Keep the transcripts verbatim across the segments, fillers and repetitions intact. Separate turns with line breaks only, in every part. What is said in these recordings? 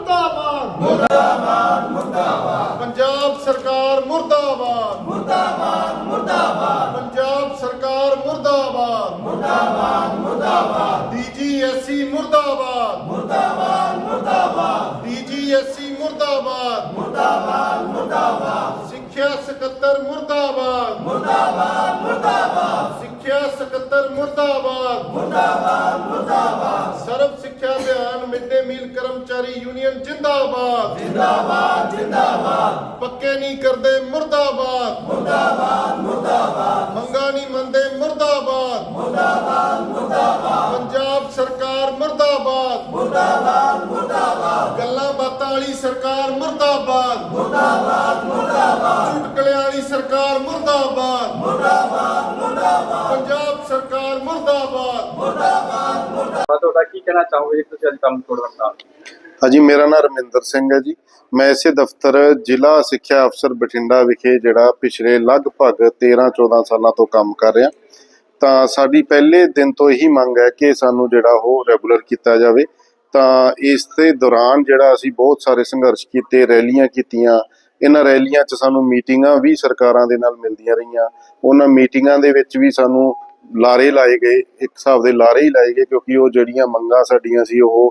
मुर्दाबाद मुर्दाबाद मुर्दाबाद पंजाब सरकार मुर्दाबाद मुर्दाबाद मुर्दाबाद पंजाब सरकार मुर्दाबाद मुर्दाबाद मुर्दाबाद डीजीएससी मुर्दाबाद मुर्दाबाद मुर्दाबाद डीजीएससी मुर्दाबाद मुर्दाबाद मुर्दाबाद सिक्ख्या सकत्तर मुर्दाबाद मुर्दाबाद मुर्दाबाद सिक्ख्या सकत्तर मुर्दाबाद मुर्दाबाद मुर्दाबाद सर्व सिक्ख्या अभियान मिड डे मील कर्मचारी यूनियन जिंदाबाद जिंदाबाद जिंदाबाद पक्के नहीं करते मुर्दाबाद मुर्दाबाद मुर्दाबाद मंगा नहीं मनते मुर्दाबाद मुर्दाबाद मुर्दाबाद पंजाब सरकार मुर्दाबाद मुर्दाबाद मुर्दाबाद गल्लां बातां वाली सरकार मुर्दाबाद मुर्दाबाद मुर्दाबाद चुटकले वाली सरकार मुर्दाबाद मुर्दाबाद मुर्दाबाद पंजाब सरकार मुर्दाबाद मुर्दाबाद मुर्दाबाद
ਤੁਹਾਡਾ ਕੀ ਕਹਿਣਾ ਚਾਹੋਗੇ ਤੁਸੀਂ ਅੱਜ ਕੰਮ ਛੋੜ ਦਿੱਤਾ?
ਹਾਂਜੀ, ਮੇਰਾ ਨਾਮ ਰਮਿੰਦਰ ਸਿੰਘ ਹੈ ਜੀ। ਮੈਂ ਇਸੇ ਦਫ਼ਤਰ ਜ਼ਿਲ੍ਹਾ ਸਿੱਖਿਆ ਅਫਸਰ ਬਠਿੰਡਾ ਵਿਖੇ ਜਿਹੜਾ ਪਿਛਲੇ ਲਗਭਗ ਤੇਰਾਂ ਚੌਦਾਂ ਸਾਲਾਂ ਤੋਂ ਕੰਮ ਕਰ ਰਿਹਾ। ਤਾਂ ਸਾਡੀ ਪਹਿਲੇ ਦਿਨ ਤੋਂ ਇਹੀ ਮੰਗ ਹੈ ਕਿ ਸਾਨੂੰ ਜਿਹੜਾ ਉਹ ਰੈਗੂਲਰ ਕੀਤਾ ਜਾਵੇ। ਤਾਂ ਇਸ ਦੇ ਦੌਰਾਨ ਜਿਹੜਾ ਅਸੀਂ ਬਹੁਤ ਸਾਰੇ ਸੰਘਰਸ਼ ਕੀਤੇ, ਰੈਲੀਆਂ ਕੀਤੀਆਂ। ਇਹਨਾਂ ਰੈਲੀਆਂ 'ਚ ਸਾਨੂੰ ਮੀਟਿੰਗਾਂ ਵੀ ਸਰਕਾਰਾਂ ਦੇ ਨਾਲ ਮਿਲਦੀਆਂ ਰਹੀਆਂ। ਉਹਨਾਂ ਮੀਟਿੰਗਾਂ ਦੇ ਵਿੱਚ ਵੀ ਸਾਨੂੰ ਲਾਰੇ ਲਾਏ ਗਏ, ਇੱਕ ਹਿਸਾਬ ਦੇ ਲਾਰੇ ਹੀ ਲਾਏ ਗਏ, ਕਿਉਂਕਿ ਉਹ ਜਿਹੜੀਆਂ ਮੰਗਾਂ ਸਾਡੀਆਂ ਸੀ ਉਹ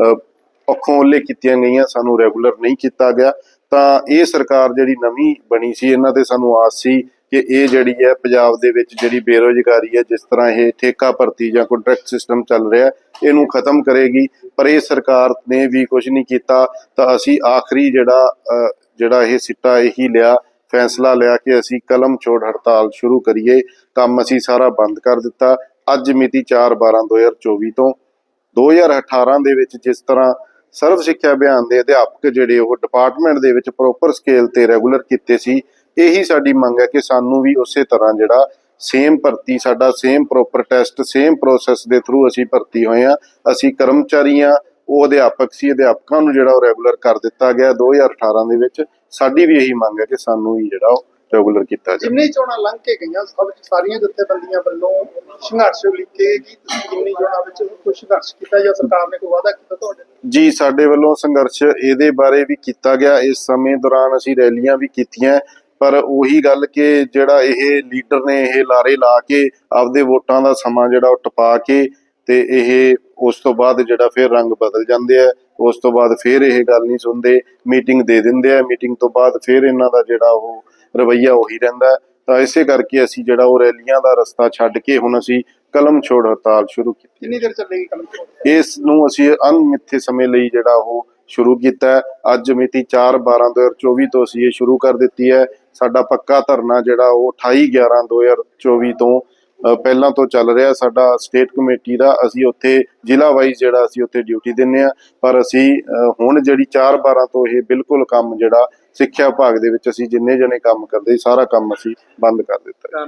ਪੱਖੋਂ ਓਹਲੇ ਕੀਤੀਆਂ ਗਈਆਂ, ਸਾਨੂੰ ਰੈਗੂਲਰ ਨਹੀਂ ਕੀਤਾ ਗਿਆ। ਤਾਂ ਇਹ ਸਰਕਾਰ ਜਿਹੜੀ ਨਵੀਂ ਬਣੀ ਸੀ, ਇਹਨਾਂ ਤੇ ਸਾਨੂੰ ਆਸ ਸੀ ਕਿ ਇਹ ਜਿਹੜੀ ਹੈ ਪੰਜਾਬ ਦੇ ਵਿੱਚ ਜਿਹੜੀ ਬੇਰੁਜ਼ਗਾਰੀ ਹੈ, ਜਿਸ ਤਰ੍ਹਾਂ ਇਹ ਠੇਕਾ ਭਰਤੀ ਜਾਂ ਕੰਟਰੈਕਟ ਸਿਸਟਮ ਚੱਲ ਰਿਹਾ, ਇਹਨੂੰ ਖਤਮ ਕਰੇਗੀ। ਪਰ ਇਹ ਸਰਕਾਰ ਨੇ ਵੀ ਕੁਝ ਨਹੀਂ ਕੀਤਾ। ਤਾਂ ਅਸੀਂ ਆਖਰੀ ਜਿਹੜਾ ਜਿਹੜਾ ਇਹ ਸਿੱਟਾ ਇਹੀ ਲਿਆ, ਫੈਸਲਾ ਲਿਆ ਕਿ ਅਸੀਂ ਕਲਮ ਛੋੜ ਹੜਤਾਲ ਸ਼ੁਰੂ ਕਰੀਏ। ਕੰਮ ਅਸੀਂ ਸਾਰਾ ਬੰਦ ਕਰ ਦਿੱਤਾ। ਅੱਜ ਮਿਤੀ ਚਾਰ ਬਾਰਾਂ ਦੋ ਹਜ਼ਾਰ ਚੌਵੀ ਤੋਂ ਦੋ ਹਜ਼ਾਰ ਅਠਾਰਾਂ ਦੇ ਵਿੱਚ ਜਿਸ ਤਰ੍ਹਾਂ ਸਰਵ ਸਿੱਖਿਆ ਅਭਿਆਨ ਦੇ ਅਧਿਆਪਕ ਜਿਹੜੇ ਉਹ ਡਿਪਾਰਟਮੈਂਟ ਦੇ ਵਿੱਚ ਪ੍ਰੋਪਰ ਸਕੇਲ ਤੇ ਰੈਗੂਲਰ ਕੀਤੇ ਸੀ, ਇਹੀ ਸਾਡੀ ਮੰਗ ਹੈ ਕਿ ਸਾਨੂੰ ਵੀ ਉਸੇ ਤਰ੍ਹਾਂ ਜਿਹੜਾ ਸੇਮ ਭਰਤੀ, ਸਾਡਾ same proper test, same process ਦੇ ਥਰੂ ਅਸੀਂ ਭਰਤੀ ਹੋਏ ਹਾਂ। ਅਸੀਂ ਕਰਮਚਾਰੀ ਹਾਂ, ਉਹ ਅਧਿਆਪਕ ਸੀ, ਅਧਿਆਪਕਾਂ ਨੂੰ ਜਿਹੜਾ ਉਹ ਰੈਗੂਲਰ ਕਰ ਦਿੱਤਾ ਗਿਆ ਦੋ ਹਜ਼ਾਰ ਅਠਾਰਾਂ ਦੇ ਵਿੱਚ। ਸਾਡੀ ਵੀ ਇਹੀ ਮੰਗ ਹੈ ਕਿ ਸਾਨੂੰ ਵੀ ਜਿਹੜਾ ਉਹ ਰੈਗੂਲਰ ਕੀਤਾ ਜਾਵੇ।
ਜਿੰਨੀ ਚੋਣਾਂ ਲੰਘ ਕੇ ਗਈਆਂ, ਸਭ ਸਾਰੀਆਂ ਜਥੇਬੰਦੀਆਂ ਵੱਲੋਂ ਸੰਘਰਸ਼ ਲਿਖੇ ਕਿ ਤੁਸੀਂ ਜਿੰਨੀ ਚੋਣਾਂ ਵਿੱਚ ਕੋਈ ਸੰਘਰਸ਼ ਕੀਤਾ ਜਾਂ ਸਰਕਾਰ ਨੇ ਕੋਈ ਵਾਅਦਾ ਕੀਤਾ ਤੁਹਾਡੇ ਨਾਲ?
ਜੀ, ਸਾਡੇ ਵੱਲੋਂ ਸੰਘਰਸ਼ ਇਹਦੇ ਬਾਰੇ ਵੀ ਕੀਤਾ ਗਿਆ। ਇਸ ਸਮੇਂ ਦੌਰਾਨ ਅਸੀਂ ਰੈਲੀਆਂ ਵੀ ਕੀਤੀਆਂ, ਪਰ ਉਹੀ ਗੱਲ ਕਿ ਜਿਹੜਾ ਇਹ ਲੀਡਰ ਨੇ ਇਹ ਲਾਰੇ ਲਾ ਕੇ ਆਪਦੇ ਵੋਟਾਂ ਦਾ ਸਮਾਂ ਜਿਹੜਾ ਉਹ ਟਪਾ ਕੇ ਤੇ ਇਹ ਉਸ ਤੋਂ ਬਾਅਦ ਜਿਹੜਾ ਫਿਰ ਰੰਗ ਬਦਲ ਜਾਂਦੇ ਆ। ਉਸ ਤੋਂ ਬਾਅਦ ਫਿਰ ਇਹ ਗੱਲ ਨਹੀਂ ਸੁਣਦੇ, ਮੀਟਿੰਗ ਦੇ ਦਿੰਦੇ ਆ। ਮੀਟਿੰਗ ਤੋਂ ਬਾਅਦ ਫਿਰ ਇਹਨਾਂ ਦਾ ਜਿਹੜਾ ਉਹ ਰਵੱਈਆ ਉਹੀ ਰਹਿੰਦਾ। ਤਾਂ ਇਸੇ ਕਰਕੇ ਅਸੀਂ ਜਿਹੜਾ ਉਹ ਰੈਲੀਆਂ ਦਾ ਰਸਤਾ ਛੱਡ ਕੇ ਹੁਣ ਅਸੀਂ ਕਲਮ ਛੋੜ ਹੜਤਾਲ ਸ਼ੁਰੂ ਕੀਤੀ।
ਕਿੰਨੀ ਦੇਰ ਚੱਲੇਗੀ ਕਲਮ ਛੋੜ?
ਇਸ ਨੂੰ ਅਸੀਂ ਅਣਮਿੱਥੇ ਸਮੇਂ ਲਈ ਜਿਹੜਾ ਉਹ ਸ਼ੁਰੂ ਕੀਤਾ ਹੈ। ਅੱਜ ਮਿਤੀ ਚਾਰ ਬਾਰਾਂ ਦੋ ਹਜ਼ਾਰ ਚੌਵੀ ਤੋਂ ਅਸੀਂ ਇਹ ਸ਼ੁਰੂ ਕਰ ਦਿੱਤੀ ਹੈ। ਸਾਡਾ ਪੱਕਾ ਧਰਨਾ ਜਿਹੜਾ ਉਹ ਅਠਾਈ ਗਿਆਰਾਂ ਦੋ ਹਜ਼ਾਰ ਚੌਵੀ ਤੋਂ ਪਹਿਲਾਂ ਤੋਂ ਚੱਲ ਰਿਹਾ। ਸਾਡਾ ਸਟੇਟ ਕਮੇਟੀ ਦਾ ਅਸੀਂ ਉੱਥੇ ਜ਼ਿਲ੍ਹਾ ਵਾਈਜ਼ ਜਿਹੜਾ ਅਸੀਂ ਉੱਥੇ ਡਿਊਟੀ ਦਿੰਦੇ ਹਾਂ। ਪਰ ਅਸੀਂ ਹੁਣ ਜਿਹੜੀ ਚਾਰ ਬਾਰਾਂ ਤੋਂ ਇਹ ਬਿਲਕੁਲ ਕੰਮ ਜਿਹੜਾ ਸਿੱਖਿਆ ਵਿਭਾਗ ਦੇ ਵਿੱਚ ਅਸੀਂ ਜਿੰਨੇ ਜਣੇ ਕੰਮ ਕਰਦੇ, ਸਾਰਾ ਕੰਮ ਅਸੀਂ ਬੰਦ ਕਰ ਦਿੱਤਾ।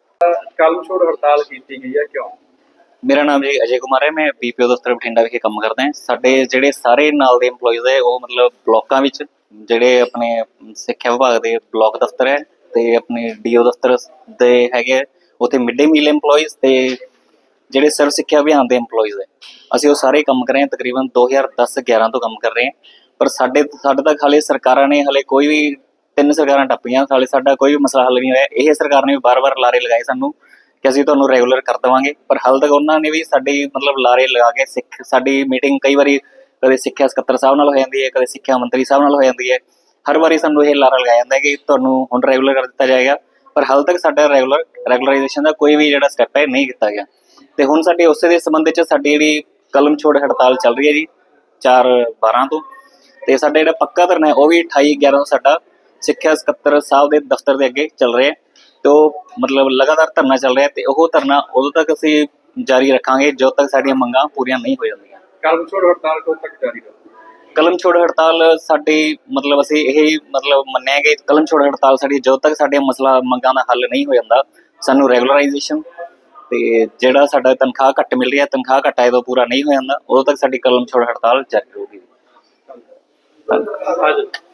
ਕਲਮ ਛੋੜ ਹੜਤਾਲ ਕੀਤੀ ਗਈ ਹੈ, ਕਿਉਂ?
ਮੇਰਾ ਨਾਮ ਜੀ ਅਜੇ ਕੁਮਾਰ ਹੈ। ਮੈਂ ਬੀਪੀਓ ਦਫ਼ਤਰ ਬਠਿੰਡਾ ਵਿਖੇ ਕੰਮ ਕਰਦਾ ਹਾਂ। ਸਾਡੇ ਜਿਹੜੇ ਸਾਰੇ ਨਾਲ ਦੇ EMPLOYEES ਹੈ ਉਹ ਮਤਲਬ ਬਲਾਕਾਂ ਵਿੱਚ ਜਿਹੜੇ ਆਪਣੇ ਸਿੱਖਿਆ ਵਿਭਾਗ ਦੇ ਬਲਾਕ ਦਫ਼ਤਰ ਹੈ ਤੇ ਆਪਣੇ ਡੀਓ ਦਫ਼ਤਰ ਦੇ ਹੈਗੇ, ਉੱਥੇ ਮਿਡ ਡੇ ਮੀਲ EMPLOYEES ਤੇ ਜਿਹੜੇ ਸਰਵ ਸਿੱਖਿਆ ਅਭਿਆਨ ਦੇ EMPLOYEES ਹੈ, ਅਸੀਂ ਉਹ ਸਾਰੇ ਕੰਮ ਕਰ ਰਹੇ ਹਾਂ। ਤਕਰੀਬਨ ਦੋ ਹਜ਼ਾਰ ਦਸ ਗਿਆਰਾਂ ਤੋਂ ਕੰਮ ਕਰ ਰਹੇ ਹਾਂ। ਪਰ ਸਾਡੇ ਸਾਡੇ ਤੱਕ ਹਾਲੇ ਸਰਕਾਰਾਂ ਨੇ ਹਾਲੇ ਕੋਈ ਵੀ, ਤਿੰਨ ਸਰਕਾਰਾਂ ਟੱਪੀਆਂ, ਹਾਲੇ ਸਾਡਾ ਕੋਈ ਵੀ ਮਸਲਾ ਹੱਲ ਨਹੀਂ ਹੋਇਆ। ਇਹ ਸਰਕਾਰ ਨੇ ਵੀ ਵਾਰ-ਵਾਰ ਲਾਰੇ ਲਗਾਏ ਸਾਨੂੰ ਕਿ ਅਸੀਂ ਤੁਹਾਨੂੰ ਰੈਗੂਲਰ ਕਰ ਦੇਵਾਂਗੇ, ਪਰ ਹਾਲੇ ਤੱਕ ਉਹਨਾਂ ਨੇ ਵੀ ਸਾਡੀ ਮਤਲਬ ਲਾਰੇ ਲਗਾ ਕੇ ਸਿੱਖ ਸਾਡੀ ਮੀਟਿੰਗ ਕਈ ਵਾਰੀ ਕਦੇ ਸਿੱਖਿਆ ਸਕੱਤਰ ਸਾਹਿਬ ਨਾਲ ਹੋ ਜਾਂਦੀ ਹੈ, ਕਦੇ ਸਿੱਖਿਆ ਮੰਤਰੀ ਸਾਹਿਬ ਨਾਲ ਹੋ ਜਾਂਦੀ ਹੈ। ਹਰ ਵਾਰੀ ਸਾਨੂੰ ਇਹ ਲਾਰਾ ਲਗਾਇਆ ਜਾਂਦਾ ਕਿ ਤੁਹਾਨੂੰ ਹੁਣ ਰੈਗੂਲਰ ਕਰ ਦਿੱਤਾ ਜਾਏਗਾ, ਪਰ ਹਾਲੇ ਤੱਕ ਸਾਡਾ ਰੈਗੂਲਰ ਰੈਗੂਲਰਾਈਜੇਸ਼ਨ ਦਾ ਕੋਈ ਵੀ ਜਿਹੜਾ ਸਟੈਪ ਹੈ ਨਹੀਂ ਕੀਤਾ ਗਿਆ। ਤੇ ਹੁਣ ਸਾਡੇ ਉਸੇ ਦੇ ਸੰਬੰਧ ਵਿੱਚ ਸਾਡੀ ਜਿਹੜੀ ਕਲਮ ਛੋੜ ਹੜਤਾਲ ਚੱਲ ਰਹੀ ਹੈ ਜੀ ਚਾਰ ਬਾਰਾਂ ਤੋਂ। ਤੇ ਸਾਡਾ ਜਿਹੜਾ ਪੱਕਾ ਧਰਨਾ ਹੈ ਉਹ ਵੀ ਅਠਾਈ ਗਿਆਰਾਂ ਤੋਂ ਸਾਡਾ ਸਿੱਖਿਆ ਸਕੱਤਰ ਸਾਹਿਬ ਦੇ ਦਫ਼ਤਰ ਦੇ ਅੱਗੇ ਚੱਲ ਰਿਹਾ। ਤੇ ਉਹ ਮਤਲਬ ਲਗਾਤਾਰ ਧਰਨਾ ਚੱਲ ਰਿਹਾ ਤੇ ਉਹ ਧਰਨਾ ਉਦੋਂ ਤੱਕ ਅਸੀਂ ਜਾਰੀ ਰੱਖਾਂਗੇ ਜਦੋਂ ਤੱਕ ਸਾਡੀਆਂ ਮੰਗਾਂ ਪੂਰੀਆਂ ਨਹੀਂ ਹੋ ਜਾਂਦੀਆਂ।
ਕਲਮ ਛੋੜ ਹੜਤਾਲ ਕਦੋਂ ਤੱਕ ਜਾਰੀ ਰਹੇਗੀ?
ਕਲਮ ਛੋੜ ਹੜਤਾਲ ਸਾਡੀ ਮਤਲਬ ਅਸੀਂ ਇਹ ਮਤਲਬ ਮੰਨਿਆ ਕਿ ਕਲਮ ਛੋੜ ਹੜਤਾਲ ਸਾਡੀ ਜਦੋਂ ਤੱਕ ਸਾਡੇ ਮਸਲਾ ਮੰਗਾਂ ਦਾ ਹੱਲ ਨਹੀਂ ਹੋ ਜਾਂਦਾ, ਸਾਨੂੰ ਰੈਗੂਲਰਾਈਜੇਸ਼ਨ ਤੇ ਜਿਹੜਾ ਸਾਡਾ ਤਨਖਾਹ ਘੱਟ ਮਿਲ ਰਹੀ ਹੈ, ਤਨਖਾਹ ਘੱਟ ਆਏ ਤੋਂ ਪੂਰਾ ਨਹੀਂ ਹੋ ਜਾਂਦਾ, ਉਦੋਂ ਤੱਕ ਸਾਡੀ ਕਲਮ ਛੋੜ ਹੜਤਾਲ ਜਾਰੀ ਰਹੂਗੀ। ਧੰਨਵਾਦ।